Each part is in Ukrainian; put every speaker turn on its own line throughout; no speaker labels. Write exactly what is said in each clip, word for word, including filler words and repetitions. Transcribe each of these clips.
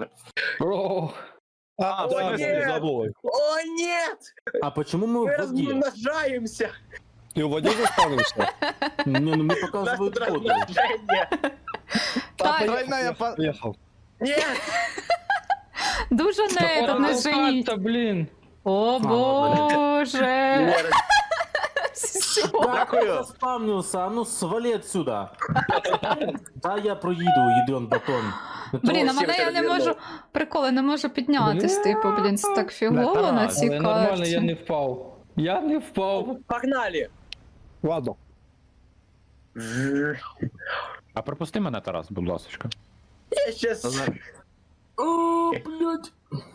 О,
А,
О,
да,
нет!
забыл.
О, нет!
А почему мы
Мы
в воде?
размножаемся!
Ты в воде заспавнился?
Не, ну мне
У нас
показывают
тут
воду.
размножение!
Так,
Тройная по... Поехал.
Нет!
дуже не, тут не женіть.
Та, блін.
О, боже.
Нет.
Да,
Дякую.
я заспавнился, а ну свали отсюда. Да, я проеду, ядрен батон.
Блін, а
Всім
мене я не
так
можу, приколи, не можу піднятись, типу, блін, це так фігово на цій
Але нормально, я
карті.
не впав. Я не впав.
Погнали!
Ладно.
А пропусти мене, Тарас, будь ласочка.
Я сейчас...
О, блядь.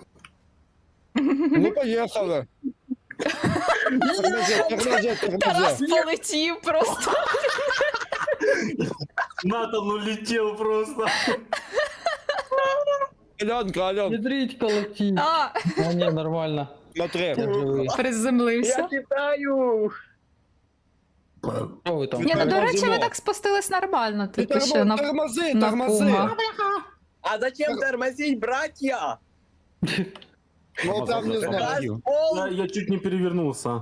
Ну, поехали. Тормози, тормози,
Тарас
тормози.
полетів просто.
Натан улетел просто.
Аленка, Ален,
Ядріть колотіть.
А,
А, ні, нормально.
смотри.
Я живий.
Я
приземлився.
кидаю!
Що ви там?
Ні, ну до
Тормозимо.
речі, ви так спустились нормально,
Ты
типу ще на...
Тормози,
на
тормози.
пума.
А зачем тормозить, братья?
Ну, там не знаю.
Раз,
Ой.
пол...
Я, я чуть не перевернулся.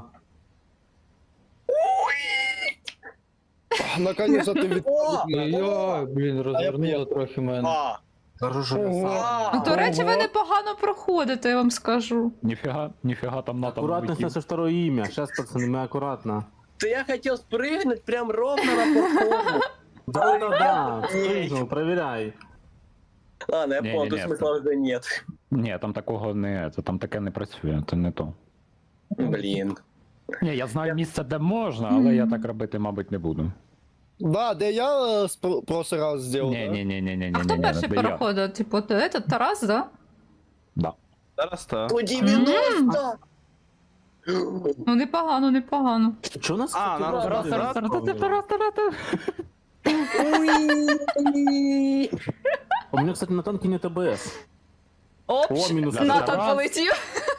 Наконец-то ты вид-
О!
Ой, блін, розвернуло
поїхав.
трохи мене.
А!
Хорошо,
А!
Ну, до речі, ви непогано проходите, я вам скажу.
Ніфіга, ніфіга там на там
Аккуратность
летів.
наше второе имя. Сейчас, пацаны, мы аккуратно.
Да я хотел спрыгнуть прям ровно на платформу.
Да-да-да, спрыгнул, проверяй.
Ладно, я
Не,
понял,
не,
тут
не,
смысла уже нет.
Ні, там такого не, це там таке не працює, це не то.
Блин.
Ні, я знаю місце, де можна, але я так робити, мабуть, не буду.
Да, да я э, в прошлый раз сделал.
Ні,
да?
ні, ні, ні, ні, ні,
А хто
ні,
перший
де я.
переходить? Типу, этот Тарас, да?
Да.
Зараз так.
сто девяносто!
Ну, непогано, непогано.
Что у нас?
А,
кстати,
нам
раз-
раз-
раз-
раз-
Уи!
У меня, кстати, на танке нет АБС.
Оп,
О, минус
Натан
раз.
полетів.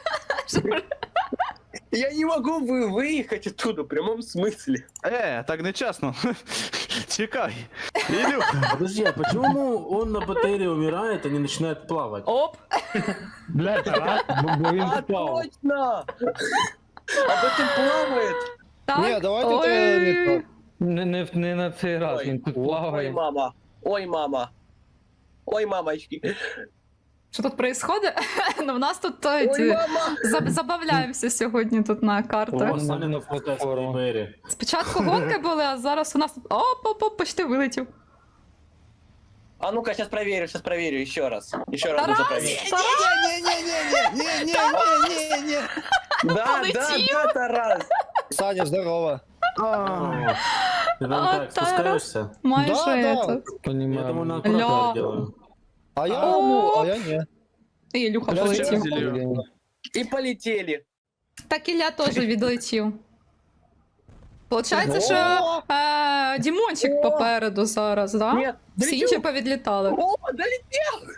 Я не могу вы выехать оттуда, в прямом смысле.
Е, так нечесно. Чекай. Ілюха.
Подожди, а почему он на батарее умирает, а не начинает плавать?
Оп.
Бля, Тарас,
Бо він
А,
впав.
точно! Об этом плавает!
Так.
Не, давайте
Ой.
это не так.
Не, не, не на цей раз,
Ой,
він тут
Ой,
плаває.
мама! Ой, мама! Ой, мамочки!
Що тут происходит? Ну, в нас тут
Ой,
ті,
мама!
заб- забавляємося сьогодні тут на картах.
О,
Саня
на
на
платформу.
платформу.
Спочатку гонки були, а зараз у нас... Оп, оп, оп, почти вилетів.
А ну-ка, сейчас проверю, сейчас проверю, еще раз. Еще раз
Тарас!
нужно проверить.
Не-не-не-не-не-не-не-не-не.
Да, да,
Полетел.
да, Тарас!
Саня, здорово.
Ты
А,
там так
Тарас.
спускаешься?
Майже
Да, да.
этот.
Я думаю, на
Понімаю.
Ля.
аккуратно делаю.
А я,
О!
ну, а я не.
І Ілюха
Я
полетів.
ще-
Блін.
И полетели.
Так Ілля теж відлетів. Получається,
О!
що е, Дімончик
О!
попереду зараз, да?
Нет,
Всі інші
долетел.
повідлітали.
О, долетел!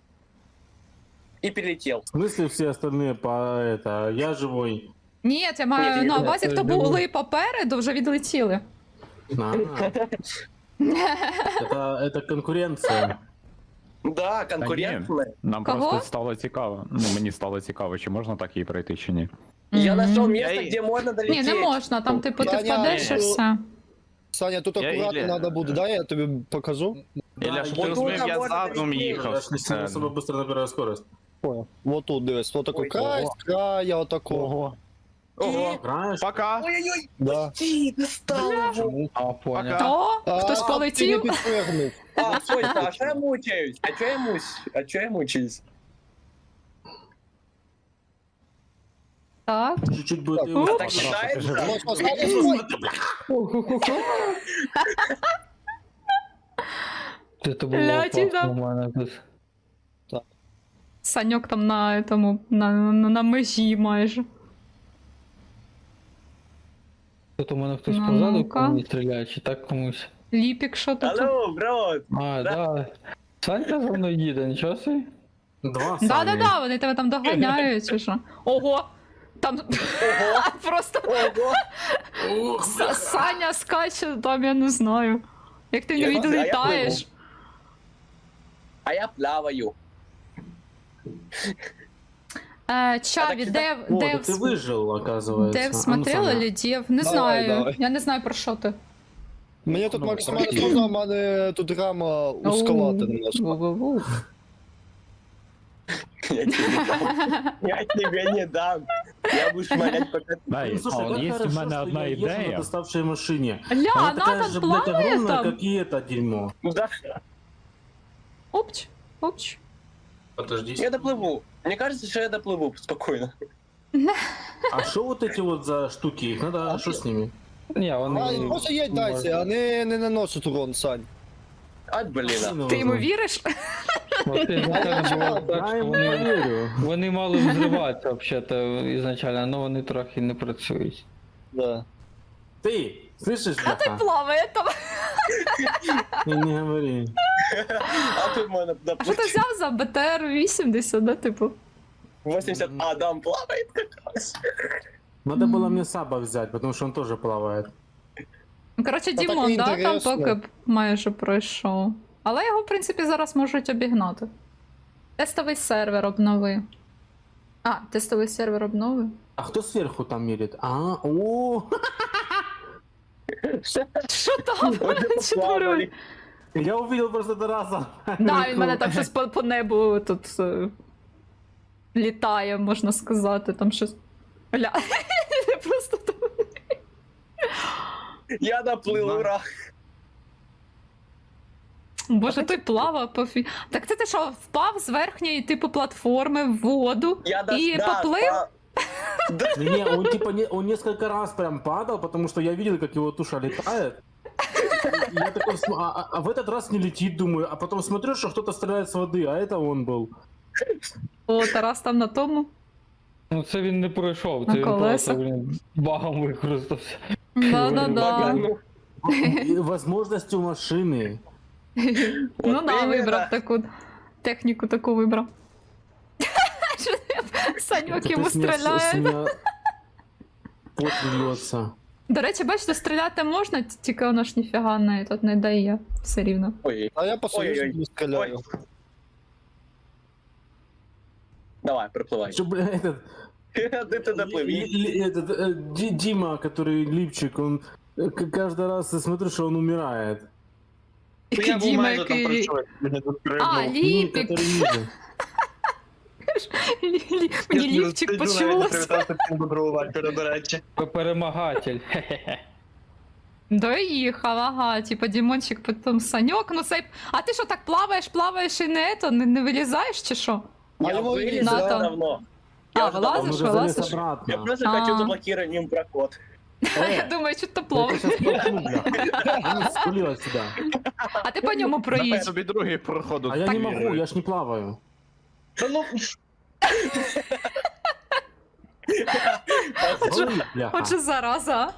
И перелетел.
В смысле все остальные по это? Я живой.
Ні, я
Ні,
маю
ні,
на
ні,
увазі,
це
хто
Дімон.
були попереду, вже відлетіли.
А, это, это конкуренция.
Да, конкурентная.
нам
Кого?
просто стало цікаво. Ну, мені стало цікаво, чи можна так її пройти, чи ні.
Я
Мгм.
нашел место,
Я и-
где можно
Ні,
долететь.
не можна, там типу ти
Таня,
впадеш і
ну,
все.
Саня, тут
Я
аккуратно
Ілля.
надо буде. Да, я тобі покажу.
Ілля, щоб ти
вот
розумів,
тут
я
можна
задом
долетіти.
їхав.
Я ж не сильно особо быстро набираю скорость.
Понял. Вот тут, дивись. Вот такой
Ой,
край,
ого.
края, вот такого.
Ого.
Ого,
Играешь?
пока.
Ой-ой-ой,
Да.
почти достал его.
А, понял.
Пока.
О, хтось
А, ти не
полетів.
підпригнув.
А, стой, а что я мучаюсь? А что я мусь? А что я мучаюсь?
Так.
Чуть-чуть будет.
Так,
и
ну,
вот
Так
так.
считается?
Можна Саня, стой.
Це було
Ляті,
опасно
да.
у мене тут.
Саньок там на этому, на, на, на межі майже.
Тут у мене хтось
Ну,
позаду
ну-ка.
по мені стріляє, чи так комусь.
Ліпік, що тут?
Алло, бро.
А, да. Санька за мною їде, нічого собі.
Два Сани.
Да-да-да, вони тебе там доганяють, чи що? Ого! Там
Ого,
просто
ого.
С- Саня скаче, там я не знаю. Як ти
Я
не
не знаю, я
відлітаєш.
А я плаваю.
Е, Чаві,
А так,
Дев,
О,
Дев,
да ты выжил, оказывается.
Дев
А ну,
смотрела
Саня.
или Дев? Не
Давай,
знаю.
давай.
Я не знаю про що ти.
Мені тут
Ну,
максимально
окей.
сложно, а в мене тут рама узковата немножко.
Ву-ву-ву.
Я тебе не дам. Я тебе не дам. Я буду шмалять пока...
Дай,
Ну, слушай,
а
как
от є
хорошо,
в мене
что
одна
я езжу на
ідея.
доставшей машине.
Ля,
Она
она
такая
там
же, блядь,
плавает
огромная,
там.
как и это дерьмо.
Ну да,
Опч, опч.
Подожди.
я доплыву. Мне кажется, что я доплыву спокойно.
А что вот эти вот за штуки? Их надо, что с ними?
Ні, вони...
А, просто їдь дайте, а не, не наносить урон, Сань.
Ай, блин. а.
Ти йому віриш?
От ізначально було так,
Я
що
ему не
вони,
верю.
вони мали взриватися, взагалі-то, ізначально, але вони трохи не працюють.
Да.
Ты, слышишь,
А той
бляха?
плаває там.
Не, не говори.
А тут можно
А що ти
доплыть.
взяв за Б Т Р вісімдесят, да, типу?
восемьдесят Адам плавает как раз.
Надо было мне Саба взять, потому что он тоже плавает.
Ну, коротше,
Та так
Дімон, да, там
інтересно.
поки б майже пройшов. Але його, в принципі, зараз можуть обігнати. Тестовий сервер обнови. А, тестовий сервер обнови.
А кто сверху там мерит? А, о,
Що там? Що творить?
я увидел просто Тараса.
Да, він мене там щось по, по небу тут е, літає, можна сказати, там щось. Ля. Просто там.
Я доплыл,
Да.
ура.
Боже, той плавав по фі. Так це ти що, впав з верхньої типу платформи в воду
Я до...
і
да,
поплив?
спа-
Не, не, он типа не, он несколько раз прям падал, потому что я видел, как его туша летает. И я такой, см- а, а- а в этот раз не летит, думаю, а потом смотрю, что кто-то стреляет с воды, а это он был.
О, Тарас там на тому.
Ну це він не пройшов, це
На
він
колесах.
просто, блін, багом використався.
Да-да-да.
Багану.
И возможности у машины.
Ну
Вот
да,
именно.
вибрав таку техніку, таку вибрав. Що ти, Саньок йому
Это с меня- с
стріляє.
меня пот льется.
До речі, бачите, стріляти можна, т- тільки воно ж ніфіга не, тут не дає все рівно.
Ой,
А я по
Ой-ой-ой.
союзу не стріляю.
давай, проплывай.
Что, бля, этот...
Ты ты доплыви.
Ли- ли- этот, э, Ди- Дима, который липчик, он э, к- каждый раз я смотрю, что он умирает.
Який Діма, який... А,
Не,
ліпік.
который ниже.
Лі- лі- Мені лівчик почулося.
Перемагатель. Хе-хе-хе.
Доїхав, ага, типа Дімончик, потім Саньок, ну цей... А ти що, так плаваєш, плаваєш і не, то, не, не вилізаєш чи що?
А
Я
его
вылез
и
надо.
давно.
А,
Я уже
вылазишь?
давно-
Он уже
вылазишь?
залез обратно.
Я просто
А.
хочу заблокировать им проход.
Я думаю, що то
Я
плаваєш.
сейчас толкну, бля. А ну, спалил отсюда.
А ти по ньому проїдь.
тобі другий проходу.
А я не могу, я ж не плаваю.
Да ну...
Ой, бляха.
Отже, зараза.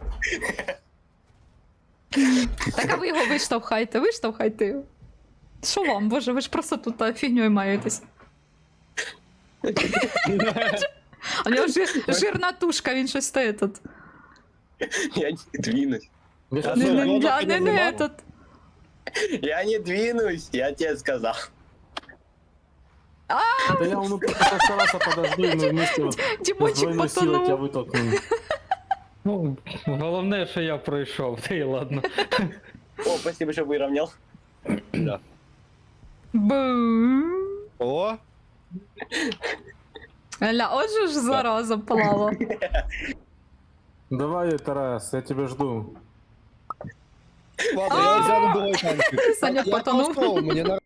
Так а ви його виштовхайте, виштовхайте його. Що вам, боже, ви ж просто тут та, фігньою маєтесь. А в нього жир, жирна тушка, він щось стоїть тут.
Я не двинусь.
Я щас
Не,
що,
не,
вода
не, не, не,
піднімала?
этот.
Я не двинусь, я тебе сказал.
Да я он постарался подожду, и мы вместе вот с
Дімончик
двойной силой тебя
потонув.
вытолкнем.
Ну, головне, що я пройшов, та й ладно.
О, спасибо, что выровнял.
Бу.
О,
Ля, отже ж зараза плава.
Давай, Тарас, я тебя жду.
ладно, я взял другой танчик.
Саня
Я
потонув.
просто, мені на